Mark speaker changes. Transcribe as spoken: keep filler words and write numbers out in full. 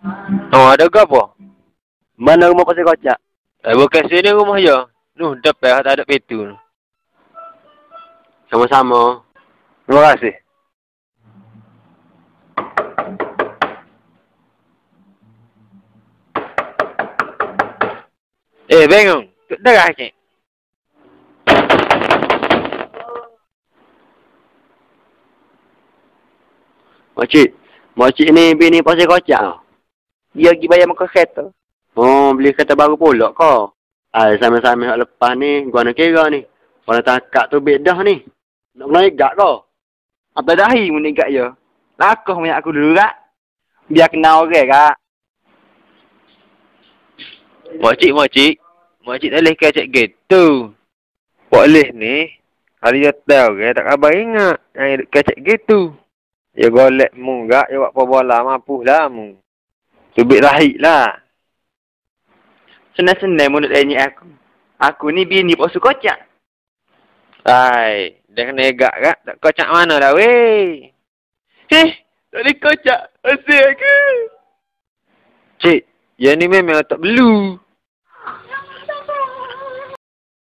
Speaker 1: Oh, ada ke apa?
Speaker 2: Mana rumah pasal kocak?
Speaker 1: Eh, bukan sini rumah je. Nuh, depan tak ada pintu.
Speaker 2: Sama-sama.
Speaker 1: Terima kasih. Eh, Bengong. Tuk darah cik.
Speaker 2: Makcik. Makcik ni bini pasal kocak tau. Dia pergi bayar muka kereta. Oh, beli kereta baru pula kau. Ah, sama-sama hak lepas ni, gua nak kira ni. Kalau takak tu bedah ni. Nak naik gak kau.
Speaker 3: Apa dahi meningkat je. Lakuh banyak aku dulu kak. Biar kenal orang kak.
Speaker 1: Makcik, makcik. Makcik tak boleh kacak gitu. Boleh ni. Hari dia tahu ke, tak khabar ingat. Yang kacak gitu. Ya golek mu gak, ya buat bola mampu lah mu. Tubik rahik lah.
Speaker 3: Senang-senang menurut tanya aku. Aku ni bini pasal kocak.
Speaker 1: Hai, dah kena egak kak. Tak kocak mana dah weh.
Speaker 3: Heh, tak boleh kocak. Asyik aku.
Speaker 1: Cik, yang ni memang tak belu.